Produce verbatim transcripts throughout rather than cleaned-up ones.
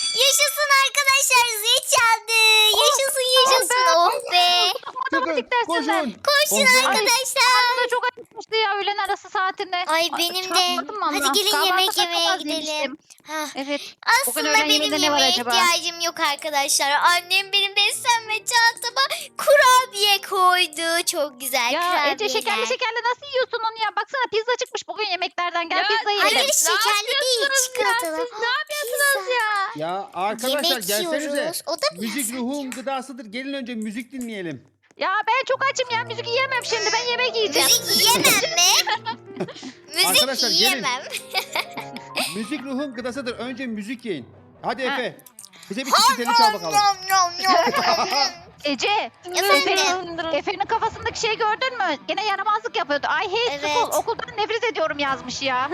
Yaşasın arkadaşlar, zil çaldı. Yaşasın yaşasın, oh be. Çıkın koşun. Koşun Oh be. arkadaşlar. Karnım da çok acıkmıştı ya öğlen arası saatinde. Ay benim de. çarpmadım valla. Hadi gelin Kahvaltıda yemek çok yemeye az gidelim. yemiştim. Ha. Evet. Bugün Aslında öğlen benim yemeğinde ne var yemeğe acaba? ihtiyacım yok arkadaşlar. Annem benim beslenme çantama kurabiye koydu. Çok güzel Ya kurabiyeler. Ece şekerli şekerli nasıl yiyorsun onu ya? Baksana pizza çıkmış bugün yemeklerden. Gel Ya, pizza yiyelim. Hayır şekerli değil, çikolatalı. Siz ne yapıyorsunuz ya? Ya arkadaşlar Yemek gelsenize. yiyoruz. O da biraz Müzik ruhun gıdasıdır. Gelin önce müzik dinleyelim. Ya ben çok açım ya. Müzik yiyemem şimdi. Ben yemek yiyeceğim. Müzik yiyemem mi? Müzik Arkadaşlar, gelin. yiyemem. Müzik ruhun gıdasıdır. Önce müzik yiyin. Hadi Ha. Efe. Bize bir çikolatalı çal bakalım. Nom, nom, nom, nom. Ece. Efendim? Efe'nin kafasındaki şeyi gördün mü? Gene yaramazlık yapıyordu. I hate Evet. school. Okuldan nefret ediyorum yazmış ya.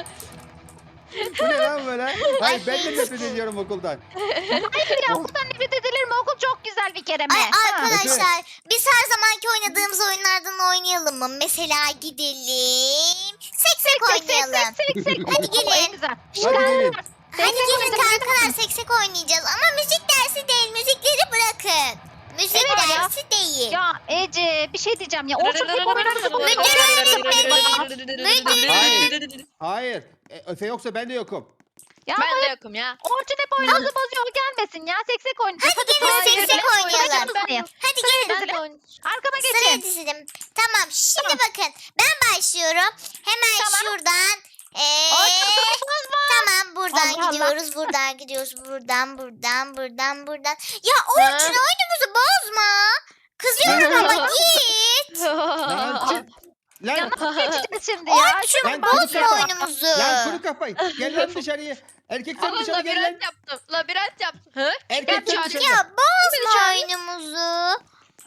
Bu ne lan böyle? Hayır ben de nefret ediyorum okuldan. Hayır ya okuldan nefret edilir mi? Okul çok güzel bir kere mi? Ay Ha. arkadaşlar, biz her zamanki oynadığımız oyunlardan oynayalım mı? Mesela gidelim. Seksek oynayalım. Sek sek. Hadi gelin. En güzel. Hadi gelin. Hadi gelin kankalar, seksek oynayacağız. Ama müzik dersi değil, müzikleri bırakın. Müzik Evet ya. dersi değil. Ya Ece bir şey diyeceğim ya. Orçun hep oynarsa bu Hayır. E, Efe yoksa ben de yokum. Ya Ben de yokum ya. Orçun hep oyunumuzu bozuyor. O gelmesin ya. Seksek oynayacağız. Hadi gelin, sıraya seksek dizilin. oynayalım. Sıraya dizilin. Hadi gelin. Ben de oynayacağım. Arkama Sıraya geçin. dizdim. Tamam, şimdi bakın. Ben başlıyorum. Hemen Tamam. şuradan. Ee, Orçun sırasınız mı? tamam, buradan Allah Allah. gidiyoruz, buradan gidiyoruz, buradan, buradan, buradan, buradan. Ya Orçun, oyunumuzu bozma. Kızıyorum ama git. Lan çık. Ya Lan, nasıl geçeceğiz şimdi ya? Orçun, Ben bozma konuşamam. oyunumuzu. lan kuru kafayı. Gel lan dışarıya. Erkek sen Ama dışarı gel lan. labirent yaptım. Labirent yaptım. Hı? Erkek sen Ya, dışarı. Ya bozma çağırıyor. oyunumuzu.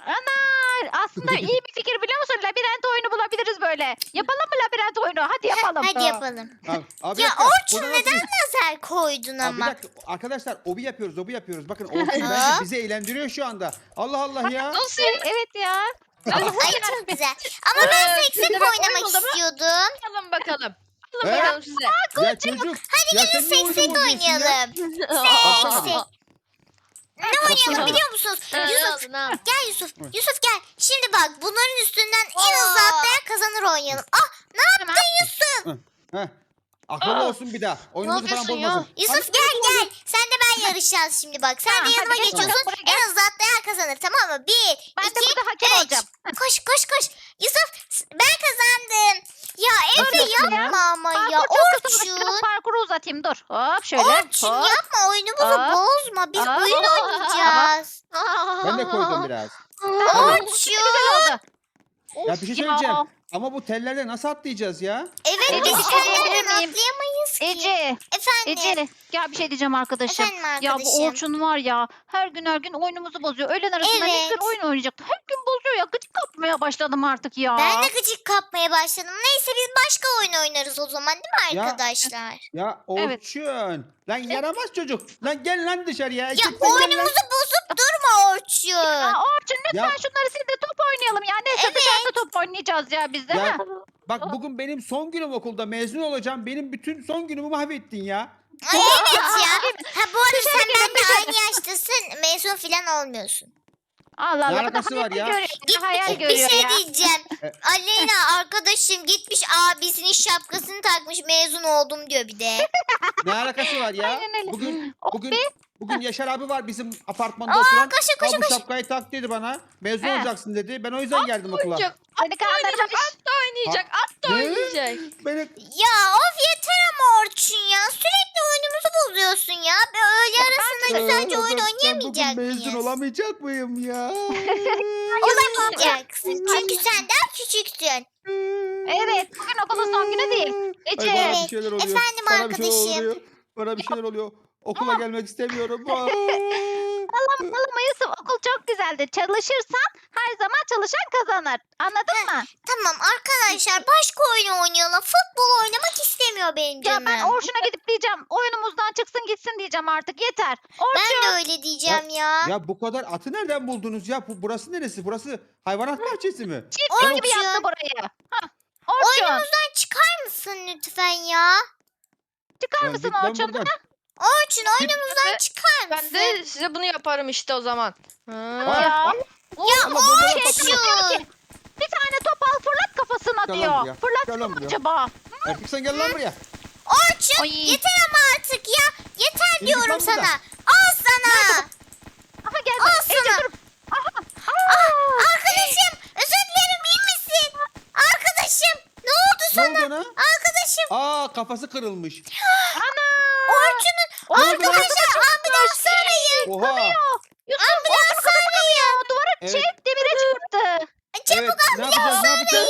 Ana aslında iyi bir fikir biliyor musun? Labirent oyunu bulabiliriz böyle. Yapalım mı labirent oyunu? Hadi yapalım. Hadi yapalım. Abi, abi, Ya bir dakika. Orçun, Burada nasıl- neden lazer koydun Abi bir ama? dakika. Arkadaşlar obi yapıyoruz obi yapıyoruz. Bakın Orçun bence Hop. bizi eğlendiriyor şu anda. Allah Allah ya. Nasıl? Evet ya. Ay çok güzel. Ama ben Ee, seksek size bak, oyun oynamak oldu mu? istiyordum. Alın bakalım. Alın He? bakalım size. Ya çocuk. Hadi ya gelin sen niye oyunu seksek bozuyorsun ya? oynayalım. Baksana bir. Seksek. Ne oynayalım biliyor musunuz? Ne Yusuf, oldu, ne oldu? gel Yusuf. Yusuf gel. Şimdi bak, bunların üstünden en hızlı atlayan kazanır oynayalım. Ah, ne yaptın Yusuf? Heh. Akıllı Aa. olsun bir daha. Oyunumuzu falan yapıyorsun ya? bozmasın. Yusuf gel gel. Sen de ben yarışacağız şimdi bak. Sen Tamam, de yanıma hadi gel geçiyorsun. bakalım, buraya En hızlı atlayan kazanır, tamam mı? Bir, Ben de iki, burada hakem üç. olacağım. Koş koş koş. Yusuf, ben kazandım. Ya Efe Nasıl yapma ya? ama ya. Parkur çok kısa. Biraz Orçun. parkuru uzatayım dur. Hop şöyle. Orçun hop. yapma, oyunumuzu Hop. bozma. Biz Hop. oyun oynayacağız. Ben de koydum biraz. Orçun. Güzel oldu. Ya bir şey Of söyleyeceğim. Ama bu tellerde nasıl atlayacağız ya? Evet, Ece, biz bir şey senden diyebilir miyim? atlayamayız ki. Ece. Efendim. Ece. Ya bir şey diyeceğim arkadaşım. Efendim Ya arkadaşım. bu Orçun var ya her gün her gün oyunumuzu bozuyor. Öğlen arasında ne Evet. güzel oyun oynayacaktı. Her gün bozuyor ya. Gıcık kapmaya başladım artık ya. Ben de gıcık kapmaya başladım. Neyse, biz başka oyun oynarız o zaman, değil mi Ya. arkadaşlar? Ya Evet. Orçun. Lan yaramaz çocuk. Lan gel lan dışarıya. Ya Erkek sen gel lan. oyunumuzu bozup durma Orçun. Ya Orçun lütfen Ya. şunları sil de top oynayalım ya. Neyse Evet. dışarıda top oynayacağız ya biz de. Ya ha? bak bugün benim son günüm okulda mezun olacağım. Benim bütün son günümü mahvettin ya. Ay evet ya. Ha bu arada Dışarı sen gelin, benimle dışarı. aynı yaştasın. Mezun falan olmuyorsun. Allah Ne Allah. Bu da alakası var hayal ya? görüyor. Bu da hayal Bir görüyor şey ya. diyeceğim. E- Aleyna arkadaşım gitmiş, abisinin şapkasını takmış, mezun oldum diyor bir de. Ne alakası var ya? Aynen öyle. Bugün Oh bugün be. bugün Yaşar abi var bizim apartmanda Aa, oturan. koşun, koşun, Al bu koşun. şapkayı tak dedi bana. Mezun He. olacaksın dedi. Ben o yüzden geldim okula. Oynayacak. Seni At da oynayacak. kandırmış. At da oynayacak. At da Ne? oynayacak. Beni Ya of, yeter ama Orçun ya. Sürekli oyunumuzu bozuyorsun ya. Bir öğle arasında güzelce oyun Ben- ben oynayamayacak bugün mezun mıyız? olamayacak mıyım ya? Olamayacaksın. Çünkü sen daha küçüksün. Evet. Bugün okulun son günü değil. Ece. Ay, bana Evet. bir şeyler oluyor. Efendim bana bir şeyler arkadaşım. oluyor. Bana bir şeyler oluyor. Okula gelmek istemiyorum. Aa. Allah'ım Allah'ım Yusuf okul çok güzeldir. Çalışırsan her zaman çalışan kazanır. Anladın mı? Tamam arkadaşlar, başka oyun oynayalım. Futbol oynamak istemiyor benim Ya canım. ben Orçun'a gidip diyeceğim. Oyunumuzdan çıksın gitsin diyeceğim artık. Yeter. Ben Orçun. de öyle diyeceğim ya. Ya bu kadar atı nereden buldunuz ya? Bu, burası neresi? Burası hayvanat bahçesi mi? Çiftlik gibi Orçun. yaptı burayı. Hah. Orçun. Oyunumuzdan çıkar mısın lütfen ya? Çıkar Ya mısın git lan Orçun? buradan. Orçun oyunumuzdan çıkar Ben mısın? de size bunu yaparım işte o zaman. Ha. Aa, Ya. aa, Ya Allah, bombalar Şey Orçun. diyor ki, bir tane top al fırlat kafasına Gel lan diyor. buraya, Fırlatsın gel lan mı buraya. acaba? Erkek sen gel lan buraya. Orçun Ay. yeter ama artık ya. Yeter Yürü git diyorum lan sana. buradan. Al sana. Aha geldi. Al Ece sana. dur. Aha. Ah, Aa. arkadaşım özür dilerim iyi misin? Arkadaşım ne oldu Ne sana? oldu ona? Arkadaşım Aa kafası kırılmış. Ana. Orçun'un Ne oldu lan? arkadaşlar ambulans arayın. Oha. Yusuf Ambulans arayın. duvara Evet. şey demire çarptı. Çabuk Evet, ne yapacağız ne yapacağız?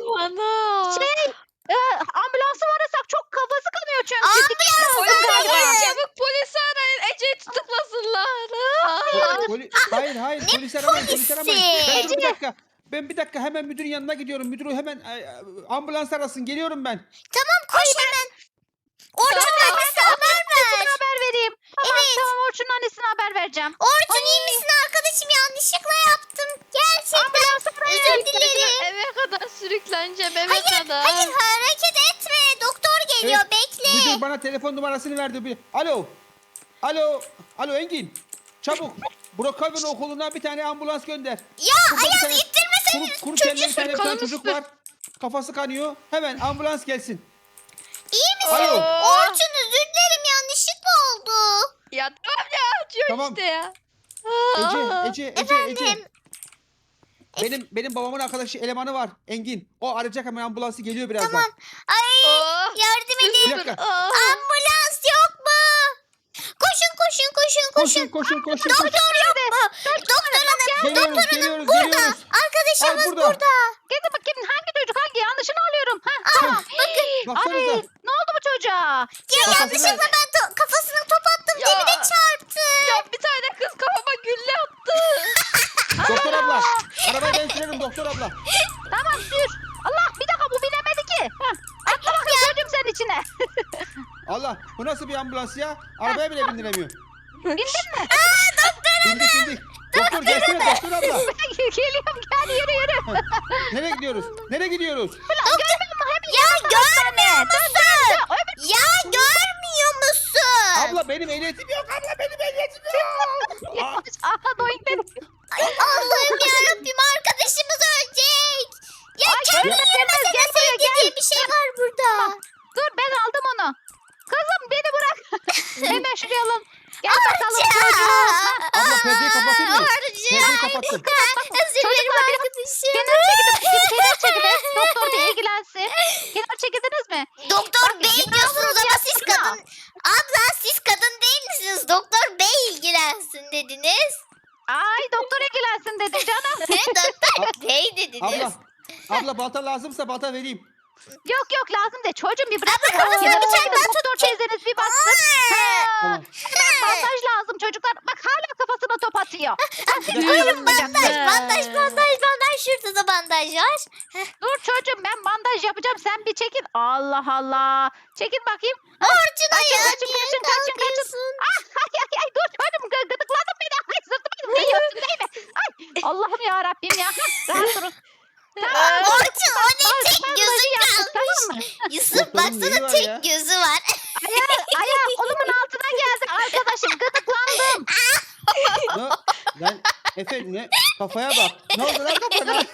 Ana. Şey e, ambulansı arasak çok kafası kanıyor çünkü. Ambulans Dikiş lazım Polis galiba. arayın çabuk polisi arayın. Ece'yi tutuklasınlar. Po- poli- hayır hayır polis aramayın polis aramayın. Ben dur bir Ece. dakika. Ben bir dakika hemen müdürün yanına gidiyorum. Müdürü hemen e, e, ambulans arasın. Geliyorum ben. Tamam koş hemen. Orçun annesine haber Annesine ver. haber vereyim. Tamam, Evet. tamam Orçun'un annesine haber vereceğim. Orçun iyi misin arkadaşım yanlışlıkla yaptım. Gerçekten özür dilerim. Eve kadar sürükleneceğim eve Hayır kadar. hayır hareket etme. Doktor geliyor Evet, bekle. Müdür bana telefon numarasını verdi. Bir- Alo. Alo. Alo Engin. Çabuk. Brookhaven okuluna bir tane ambulans gönder. Ya Burada bir Ayaz tane ittirmesene Kuru, kuru kelleli bir çocuğu. tane, bir tane kanını çocuk sür. var. Kafası kanıyor. Hemen ambulans gelsin. İyi misin? Alo. Orçun özür dilerim yanlışlıkla oldu. Ya tamam ya acıyor Tamam. işte ya. Ece, Ece, Ece, Ece. Efendim. Benim benim babamın arkadaşı elemanı var. Engin. O arayacak hemen ambulansı geliyor birazdan. Tamam. Ay Oh. yardım Bir edin. dakika. Oh. Ambulans yok mu? Koşun koşun koşun Koşun, koşun. koşun, koşun, koşun. Doktor yok mu? Doktor hanım. Geliyoruz, Doktor hanım geliyoruz, burada. geliyoruz. Arkadaşımız Ay, burada. burada. Gel bakayım hangi çocuk hangi yanlışını alıyorum. Ha, Aa, bakın. Ay Baksanıza. ne oldu bu çocuğa? Ya Kafasına- yanlışlıkla ben to- kafasına top attım. Ya. Dibine çarptı. Ya bir tane kız kafama gülle attı. Doktor abla. Arabayı ben sürerim doktor abla. Tamam sür. Allah bir dakika bu bilemedi ki. Hah, atla bakayım çocuğum sen içine. Allah bu nasıl bir ambulans ya? Arabaya bile bindiremiyor. Bildin mi? Bindik bindik. Doktor gelsene doktor abla. Geliyorum gel yürü yürü. Nereye gidiyoruz? Nereye gidiyoruz? Görmüyor musun? Hep Ya görmüyor musun? öbür Ya görmüyor musun? Abla benim ehliyetim yok. Abla benim ehliyetim yok. Aa, Aha doyun benim. Ay Allah'ım yarabbim arkadaşımız ölecek. Ya Ay, kendi ölmez, yerine ölmez, gel buraya, sevgi gel. diye bir şey var burada. Dur ben aldım onu. Kızım beni bırak. Hemen şuraya alın. Gel bakalım Orçun. çocuğum. abla perdeyi kapatayım mı? Orçun. Perdeyi kapattım. Özür dilerim Çocuklar, biraz arkadaşım. Kenar çekilin. Kim kenar çekilin. Doktor bir ilgilensin. Kenar çekildiniz mi? Doktor Bak, bey yine diyorsunuz ambulans ama siz yaptın ya. kadın. Abla siz kadın değil misiniz? Doktor bey ilgilensin dediniz. Ay doktor ilgilensin dedi canım. He, doktor bey dediniz. Abla. Abla balta lazımsa balta vereyim. Yok yok lazım de çocuğum bir bırak. Abla, kafasına Kenara bir tane çekilin, daha Doktor teyzeniz bir baksın. Ha. Tamam. Bandaj lazım çocuklar. Bak hala kafasına top atıyor. Oğlum bandaj, bandaj, bandaj, bandaj. Şurada da bandaj var. Dur çocuğum ben bandaj yapacağım. Sen bir çekil. Allah Allah. Çekil bakayım. Orçun Ay, ayağa kaçın, niye kaçın, kaçın, kaçın. kalkıyorsun? Ah, ay, ay, ay, dur çocuğum gı- gıdıkladın beni. Ay sırtımı değiyorsun değil mi? Ay Allah'ım ya Rabbim ya. Rahat durun. Tamam. Orçun o ne Ay, tek bandajı gözün yaptık, tamam mı? kalmış. Yusuf Doktorun neyi baksana var tek ya? gözü var. Ayağı, ayağı kolumun altına geldi arkadaşım. Gıdıklandım. Ne? Lan Efe ne? Kafaya bak. Ne oldu lan kafana?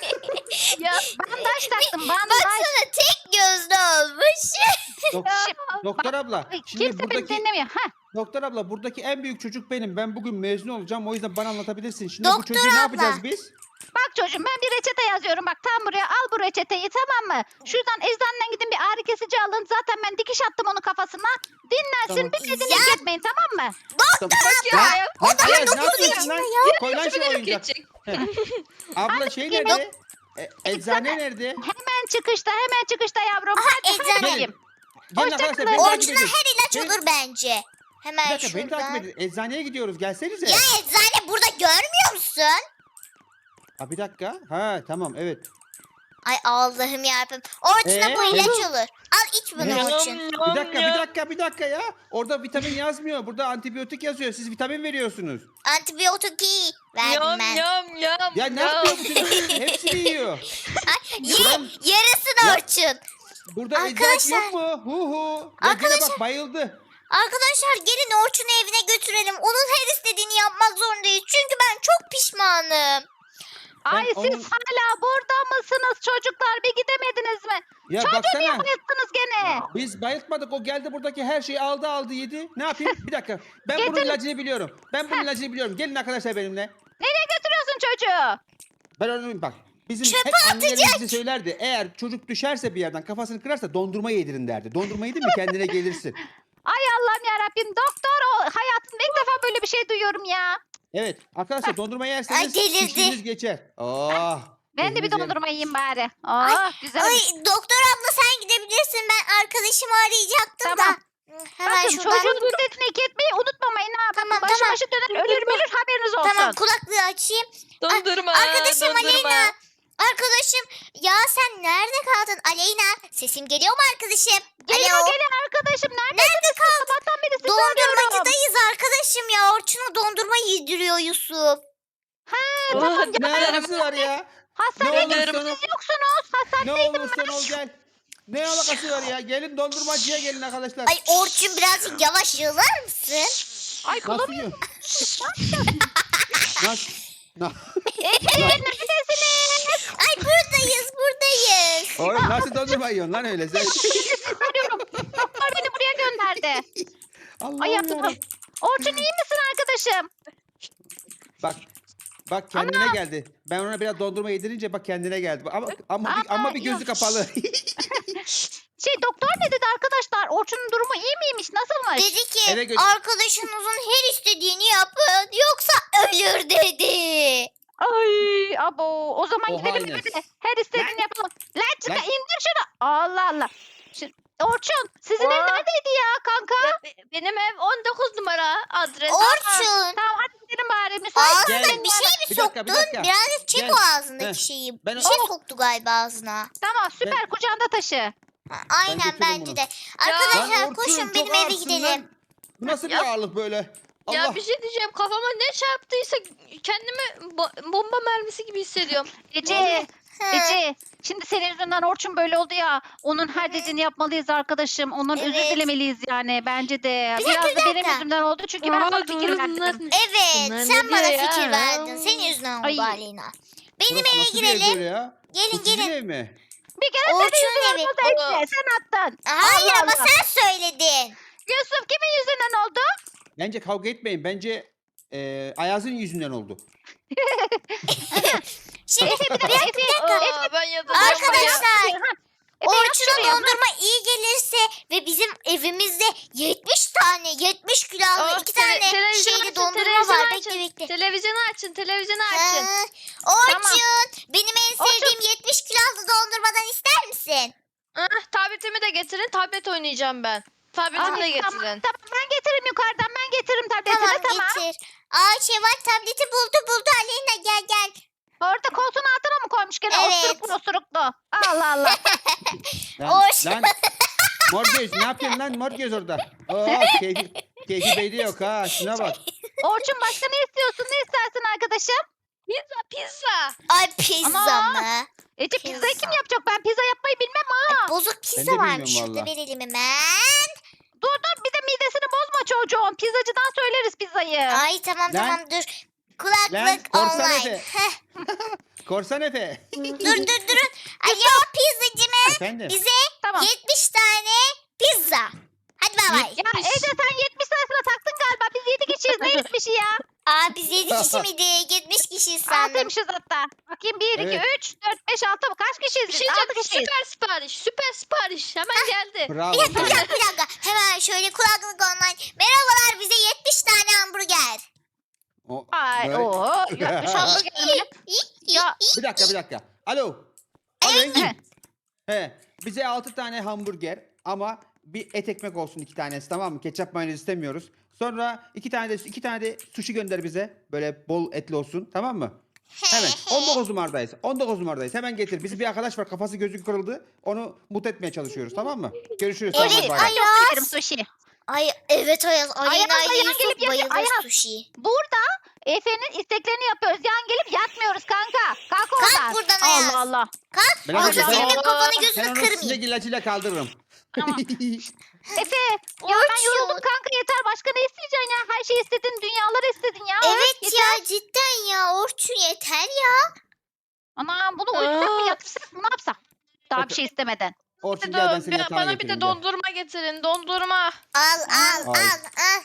Ya bandaj taktım bandaj. Baksana tek gözlü olmuş. Dok- doktor abla. Ay, Şimdi Kimse beni buradaki dinlemiyor. Ha. doktor abla buradaki en büyük çocuk benim. Ben bugün mezun olacağım. O yüzden bana anlatabilirsin. Şimdi bu Doktor çocuğu ne abla. yapacağız biz? Bak çocuğum ben bir reçete yazıyorum. Bak tam buraya al bu reçeteyi tamam mı? Şuradan eczaneden gidin bir ağrı kesici alın. Zaten ben dikiş attım onun kafasına. Dinlensin Tamam. bir dediğini Ya. etmeyin tamam mı? Tamam. Ya, Lan, ya. lan Ayaz, ne dokuz yapıyorsun lan? yaşında Koy lan şu Şöyle oyuncak. geçecek. Abla şey yemek- nerede? E, eczane nerede? Hemen çıkışta hemen çıkışta yavrum. Aha, Hadi, hadi eczane. bakayım. Gelin Hoşça arkadaşlar kalın. beni takip Orçuna edin. her ilaç Beni- olur bence. Bir Hemen dakika beni takip şuradan. edin. Eczaneye gidiyoruz. Gelsenize. Ya eczane burada görmüyor musun? Ha bir dakika. Ha tamam evet. Ay Allah'ım yarabbim. Orçuna Ee? bu ilaç olur. Al iç bunu Ne? Orçun. Bir dakika bir dakika bir dakika ya. Orada vitamin yazmıyor. Burada antibiyotik yazıyor. Siz vitamin veriyorsunuz. Antibiyotik iyi verdim Yam ben. yam yam. Ya ne yam. yapıyor bu çocuk? Hepsini yiyor. Ay, ye, Ulan- yarısın Ya- Orçun. Burada eczacı Arkadaşlar- yok mu? Hu hu. Ya gene Arkadaşlar- bak bayıldı. Arkadaşlar gelin Orçun'u evine götürelim. Onun her istediğini yapmak zorundayız. Çünkü ben çok pişmanım. Ay Ben siz onun- hala burada mısınız çocuklar? Bir gidemediniz mi? Ya Çocuğu niye baksana. bayılttınız gene? Biz bayıltmadık. O geldi buradaki her şeyi aldı aldı yedi. Ne yapayım? Bir dakika. Ben bunun Getir. ilacını biliyorum. Ben bunun ilacını biliyorum. Gelin arkadaşlar benimle. Nereye götürüyorsun çocuğu? Ben onu bak. Bizim Çöpe hep annelerimiz bize söylerdi. Eğer çocuk düşerse bir yerden kafasını kırarsa dondurma yedirin derdi. Dondurma yedin mi kendine gelirsin. Ay Allah'ım yarabbim doktor o hayatımda ilk defa böyle bir şey duyuyorum ya. Evet arkadaşlar dondurma Ay, yerseniz delirdi. şişiniz geçer. Oh, Ben de bir keyfiniz yerine. dondurma yiyeyim bari. Oh güzel. Ay doktor abla sen gidebilirsin. Ben arkadaşımı arayacaktım Tamam. da. Hemen Bakın şuradan. çocuğun ücretini iki etmeyi unutmamayın ha. Tamam, Başı tamam. başı döner ölür ölür haberiniz olsun. Tamam kulaklığı açayım. Dondurma. Arkadaşım dondurma. Aleyna. Arkadaşım ya sen nerede kaldın Aleyna? Sesim geliyor mu arkadaşım? Geliyor Alo. geliyor arkadaşım. Nerede? Nerede kaldın? Sabahtan beri sizi arıyorum. Dondurmacıdayız arkadaşım ya. Orçun'a dondurma yediriyor Yusuf. Ha Oh, tamam. Ne Ya, alakası var ya? hastaneye Ne gittiniz olursa- siz yoksunuz. Ne Hastanedeydim olursan ben. ol gel. Ne alakası var ya? Gelin dondurmacıya gelin arkadaşlar. Ay Orçun birazcık yavaş yığılar mısın? Ay Nasıl kulum. yiyor? Nasıl? Na- Ece neredesiniz? Ay buradayız buradayız. Oğlum nasıl dondurma yiyorsun lan öyle sen? Arıyorum. Doktor beni buraya gönderdi. Allah'ım Ay yaptım. yarabbim. Orçun iyi misin arkadaşım? Bak. Bak kendine geldi. Ben ona biraz dondurma yedirince bak kendine geldi. Ama ama bir, Aa, ama bir gözü yok. kapalı. Şey doktor ne dedi arkadaşlar? Orçun'un durumu iyi miymiş? Nasılmış? Dedi ki Eve gö- arkadaşınızın her istediğini yapın yoksa ölür dedi. Ay abo o zaman Oha gidelim Ines. eve de her istediğini Lan. yapalım. Lan çıkar Lan. indir şunu. Allah Allah. Şimdi, Orçun sizin ev Aa. neredeydi ya kanka? Be- Benim ev on dokuz numara adres. Orçun. Tamam hadi gidelim bari müsait. Ağzına Gel. bir şey mi Bir soktun? dakika, bir dakika. Birazcık çek Gel. o ağzındaki Heh. şeyi. Ben- Bir şey soktu galiba ağzına. Tamam süper kucağında taşı. Ha, Aynen götürürüm bence bunu. de. Lan Arkadaşlar Orçun, koşun çok benim eve ağırsın gidelim. lan. Bu nasıl bir Ya- ağırlık böyle? Allah. Ya bir şey diyeceğim, kafama ne çarptıysa kendimi bo- bomba mermisi gibi hissediyorum. Ece. Hı. Ece. Şimdi senin yüzünden Orçun böyle oldu ya. Onun her dediğini yapmalıyız arkadaşım. Ondan özür Evet. dilemeliyiz yani bence de. Bir Biraz dakika, da bir benim dakika. yüzümden oldu çünkü ben Aa, sana fikir doğru, verdim. bunlar- Evet Bunlar sen ne bana diyor ya? fikir verdin. Senin yüzünden oldu Ay. Aleyna. Benim Burası eve nasıl bir ev girelim. böyle ya? Gelin Bu sizin gelin. ev mi? Bir kere Orçun'un senin evi. yüzünden oldu Aa. Ece. Sen attın. Hayır Allah ama Allah. sen söyledin. Yusuf kimin yüzünden oldu? Bence kavga etmeyin. Bence e, Ayaz'ın yüzünden oldu. Şimdi Efe bir dakika. Efe, Efe, Aa, ben yatacağım. arkadaşlar Ha, Efe, yat Orçun'a şuraya. dondurma iyi gelirse ve bizim evimizde yetmiş tane yetmiş kilo Aa, aldı. iki tele- tane televizyon şeyli açın, dondurma televizyon var. açın. Bekle bekle. Televizyonu açın, televizyonu açın. Ha, Orçun benim en Orçun. sevdiğim yetmiş kilo aldı dondurmadan ister misin? Ah, tabletimi de getirin, tablet oynayacağım ben. Tabletimi Ay, de getirin. Tamam, tamam ben getiririm yukarıdan ben getiririm tabletini Tamam, tamam. getir. Aa Şevval tableti buldu buldu Aleyna gel gel. Orada koltuğun altına mı koymuş gene Evet. osuruklu osuruklu. Allah Allah. Lan, Orçun. lan mor göz ne yapıyorsun lan mor göz orada? Oo, keyfi, keyfi beyde yok ha şuna bak. Orçun başka ne istiyorsun ne istersin arkadaşım? Pizza, pizza. Ay pizza Ama- mı? Ece Pizza. pizzayı kim yapacak? Ben pizza yapmayı bilmem ha. Bozuk Ben pizza de varmış. bilmiyorum Şurada valla. verelim hemen. Dur dur bir de midesini bozma çocuğun. Pizzacıdan söyleriz pizzayı. Ay tamam Lan. tamam dur. Kulaklık Lan, korsan online. Efe. Heh, Korsan Efe. dur dur durun. Alo pizzacı mı? Efendim. Bize Tamam. yetmiş tane pizza. Hadi bay bay. Ya Ece sen yetmiş tanesine taktın galiba. Biz yedi kişiyiz. Ne yetmişi ya? Aa biz yedi kişi miydik? yetmiş kişiyiz sandım. Altıymışız hatta. Bakayım bir, iki, Evet. üç, dört, beş, altı. Kaç kişiyiz Bir biz? şey Altı diyeceğim, kişiyiz. süper sipariş, süper sipariş. Hemen geldi. Bravo. Bir dakika bir dakika bir dakika. Hemen şöyle kulaklık online. Merhabalar bize yetmiş tane hamburger. O- Ay böyle- ooo. Yapmış hamburger mi? Ya Bir dakika bir dakika. Alo. Alo He. Engin. He. Bize altı tane hamburger ama bir et ekmek olsun iki tanesi tamam mı? Ketçap mayonez istemiyoruz. Sonra iki tane de iki tane de sushi gönder bize. Böyle bol etli olsun tamam mı? Hemen. on dokuz numaradayız. on dokuz numaradayız. Hemen getir. Bizim bir arkadaş var kafası gözü kırıldı. Onu mutlu etmeye çalışıyoruz tamam mı? Görüşürüz. Evet, Tamam, bay bay. ay- çok severim sushi. Ay evet Ayaz. Aleyna Ayaz, ile Ayaz Yusuf gelip yatıyor. bayılır Ayaz. sushi. Burada Efe'nin isteklerini yapıyoruz. Yan gelip yatmıyoruz kanka. Kalk oradan. buradan Ayaz. Allah Allah. Kalk. Ben Orada hadi- senin ben- kafanı Ben gözünü onu kırmayayım. sinek ilacıyla kaldırırım. Tamam. Efe ya ben yoruldum kanka yeter. Başka ne isteyeceksin ya? Her şeyi istedin. Dünyaları istedin ya. Evet yeter. ya cidden ya Orçun yeter ya. Ana bunu uyutsak mı Aa. yatırsak mı ne yapsak? Daha bir Efe- şey istemeden. Orçun Bir de gel ben do- seni bir- yatağına bana bir götüreyim de gel. dondurma getirin. Dondurma. Al al Ay. al al.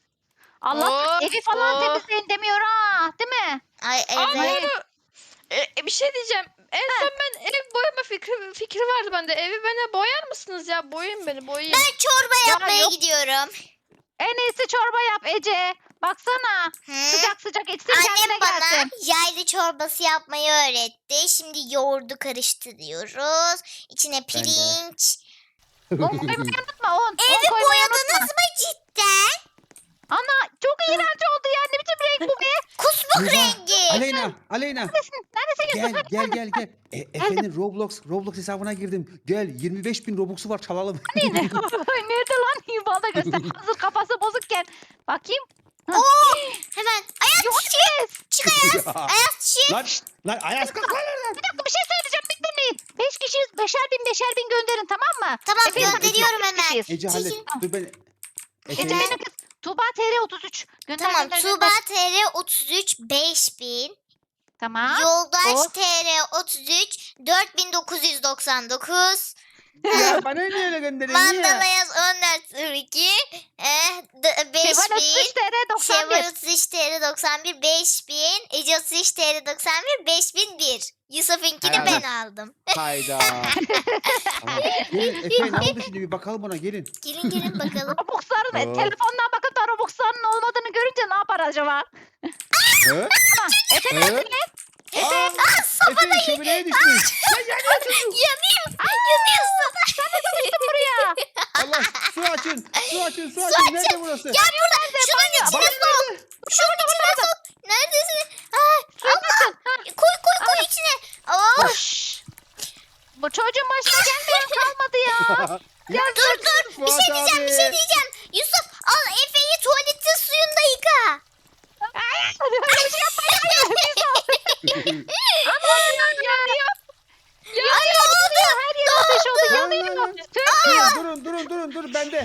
Allah Oh, evi falan oh. temizleyin demiyor ha. Değil mi? Ay Aa, evet. doğru. E, e, bir şey diyeceğim. En son ben ev boyama fikri, fikri vardı bende. Evi bana boyar mısınız ya? Boyayın beni boyayın. Ben çorba Ya yapmaya yok. gidiyorum. En iyisi çorba yap Ece. Baksana. Hı? Sıcak sıcak içsin kendine Annem bana gelsin. yaylı çorbası yapmayı öğretti. Şimdi yoğurdu karıştırıyoruz. İçine pirinç. Un koymayı unutma un. Un Evi koymayı boyadınız unutma. mı cidden? Ana çok iğrenç oldu ya. Ne biçim renk bu be? Kusmuk Tuğba, rengi. Aleyna, Aleyna. Neredesin? Neredesin Gel Yusuf? gel gel gel. E, Efe'nin Roblox Roblox hesabına girdim. Gel yirmi beş bin Robux'u var çalalım. Nerede lan? Bana göster. Hazır kafası bozukken. Bakayım. Oo, hemen Ayaz Yok çık. Çık Ayaz. Ya. Ayaz çık. Lan lan Ayaz kalk lan oradan. Bir dakika bir şey söyleyeceğim. Bir dinleyin. Beş kişiyiz. Beşer bin beşer bin gönderin tamam mı? Tamam Efendim, gönderiyorum beş hemen. kişiyiz. Ece hallet. Çekil. Dur ben. Ece Efe, benim kız. Tuğba T R otuz üç. Gönder Tamam gönder Tuğba gönder. T R otuz üç beş bin. Tamam. Yoldaş o. T R otuz üç dört bin dokuz yüz doksan dokuz. ya bana niye öyle gönderiyorsun Mandala ya? yaz on dört sıfır iki. Eh, d- beş Şevval otuz üç bin. T R doksan Şevval bir. otuz üç T R doksan bir beş bin. Ece otuz üç T R doksan bir beş bin bir. Yusuf'unkini Hay ben Allah. aldım. Hayda. Tamam. Gelin Efe ne oldu şimdi bir bakalım ona gelin. Gelin gelin bakalım. Robux'ların Oo. telefondan bakıp da Robux'ların olmadığını görünce ne yapar acaba? Hı? Ama Efe Hı? nerede? Aa, Efe şömineye düşmüş. Yanayım. Yanıyorsun. Buraya. Allah su açın. Su açın su açın. Nerede burası? Gel burada. Şunun içine Bak sok. Şunun içine sok. Neredesin? Ay, Allah. Koy koy koy içine. Oh. Şşş. Bu çocuğun başına gelmeyen kalmadı ya. Ya Dur dur. Bir Fuat şey diyeceğim bir şey abi. diyeceğim. Yusuf al Efe'yi tuvaletin suyunda yıka. Öyle bir şey yapmayın. Yanıyor. Ay ne oldu? Her yer ateş oldu. Lan, lan, Yanıyor. lan. Söndür. Durun durun durun durun bende.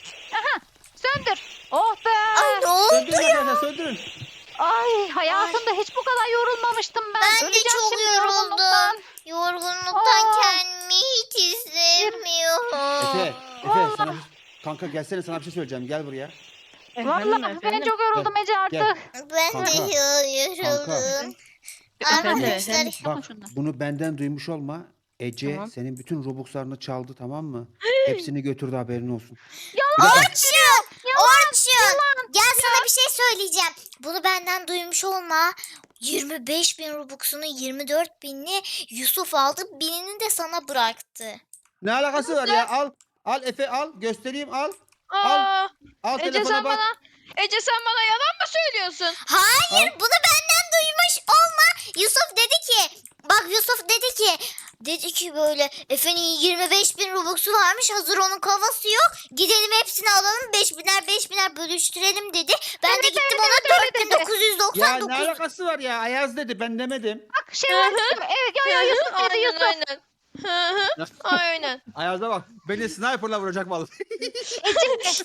Söndür. Oh be. Ay ne oldu? Söndürün arkadaşlar söndürün. Ay hayatımda hiç bu kadar yorulmamıştım ben. Ben de Öleceğim çok şimdi yoruldum. yorgunluktan. Yorgunluktan Aa. kendimi hiç hissetmiyorum. Efe, Efe sana bir- kanka gelsene sana bir şey söyleyeceğim. Gel buraya. Vallahi ben çok yoruldum Ece Gel. artık. Ben Kanka, de yoruldum. Efendim, Arkadaşlar efendim. Bak Yapma şunu. bunu benden duymuş olma. Ece Tamam. senin bütün Robux'larını çaldı tamam mı? Hepsini götürdü haberin olsun. Yalan. Orçun! Orçun! Gel sana bir şey söyleyeceğim. Bunu benden duymuş olma. yirmi beş bin Robux'unu yirmi dört binini Yusuf aldı. Binini de sana bıraktı. Ne alakası var ya? Al. Al Efe al. Göstereyim al. Aa, Al Ece telefona sen bak. bana Ece sen bana yalan mı söylüyorsun? Hayır Al. bunu benden duymuş olma. Yusuf dedi ki bak Yusuf dedi ki dedi ki böyle Efe'nin yirmi beş bin Robux'u varmış hazır onun kafası yok. Gidelim hepsini alalım beş biner beş biner bölüştürelim dedi. Ben Evet, de gittim evet, ona evet, öyle dört bin dedi. dokuz yüz Ya doksan ne dokuz. alakası var ya? Ayaz dedi ben demedim. Bak şey var. Evet yo yo Yusuf dedi Aynen Yusuf. aynen. Hı hı, aynen. Ayaz'a bak. Beni sniper'la vuracak vallahi. Ece.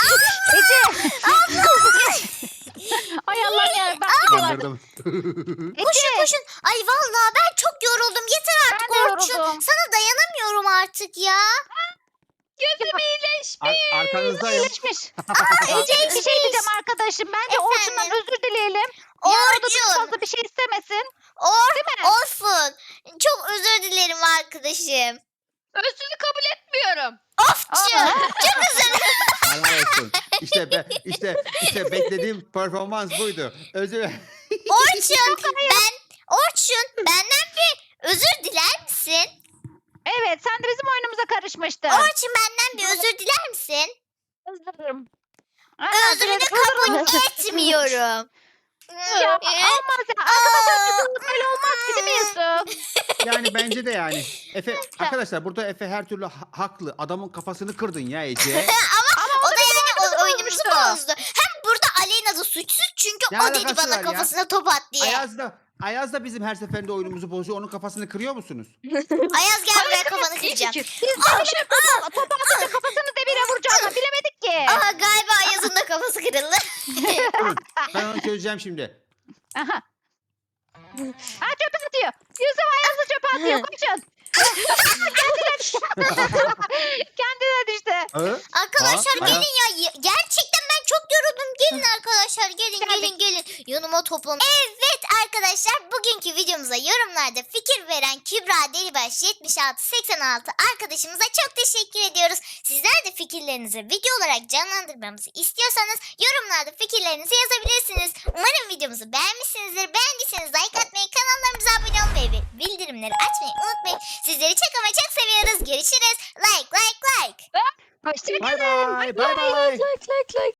Ay Allah'ım ya. Bak bir de var. Kandırdım. Koşun koşun. Ay vallahi ben çok yoruldum. Yeter artık Ben de Orçun. yoruldum. Sana dayanamıyorum artık ya. Gözüm iyileş. Ar- arkanızdayım. İyileşmiş. Ece bir şey diyeceğim arkadaşım. Bence Orçun'dan Efendim? özür dileyelim. Yarın da Orçun. çok fazla bir şey istemesin. Or Değil mi? olsun. Çok özür dilerim arkadaşım. Özrünü kabul etmiyorum. Ofçu. Aa. Çok özür dilerim. Helal olsun. İşte be, işte işte beklediğim performans buydu. Özür Orçun ben Orçun benden bir özür diler misin? Evet sen de bizim oyunumuza karışmıştın. Orçun benden bir özür diler misin? Özür dilerim. Özrünü kabul etmiyorum. Ya olmaz ya. Arkadaşlar bizim böyle olmaz ki değil mi Yusuf? Yani bence de yani. Efe arkadaşlar burada Efe her türlü ha- haklı. Adamın kafasını kırdın ya Ece. O da yani o oyunumuzu bozmuştu. bozdu. Hem burada Aleyna da suçsuz çünkü Ne o dedi alakası bana var ya? kafasına top at diye. Ayaz, Ayaz da Ayaz da bizim her seferinde oyunumuzu bozuyor. Onun kafasını kırıyor musunuz? gel buraya kafanı İyi kıracağım. fikir. Biz de öyle yapıyoruz. Topu atınca kafasını ama bilemedik ki. Aha galiba Ayaz'ın da kafası kırıldı. Durun, ben onu çözeceğim şimdi. Aha. Ha çöpe atıyor. Yusuf Ayaz'ı çöpe atıyor. Koşun. Kendine düştü. Kendine düştü. Hı? Arkadaşlar Aa, gelin ya. Y- Gerçekten ben çok yoruldum. Gelin arkadaşlar gelin Geldik. gelin gelin. Yanıma toplanın. Evet arkadaşlar bugünkü videomuza yorumlarda fikir veren Kübra Delibaş yetmiş altı seksen altı arkadaşımıza çok teşekkür ediyoruz. Sizler de fikirlerinizi video olarak canlandırmamızı istiyorsanız yorumlarda fikirlerinizi yazabilirsiniz. Umarım videomuzu beğenmişsinizdir. Beğendiyseniz like atmayı, kanallarımıza abone olmayı ve bildirimleri açmayı unutmayın. Sizleri çok ama çok seviyoruz. Görüşürüz. Like like like. Hoşçakalın. Bay bay. Bay bay. Like like like.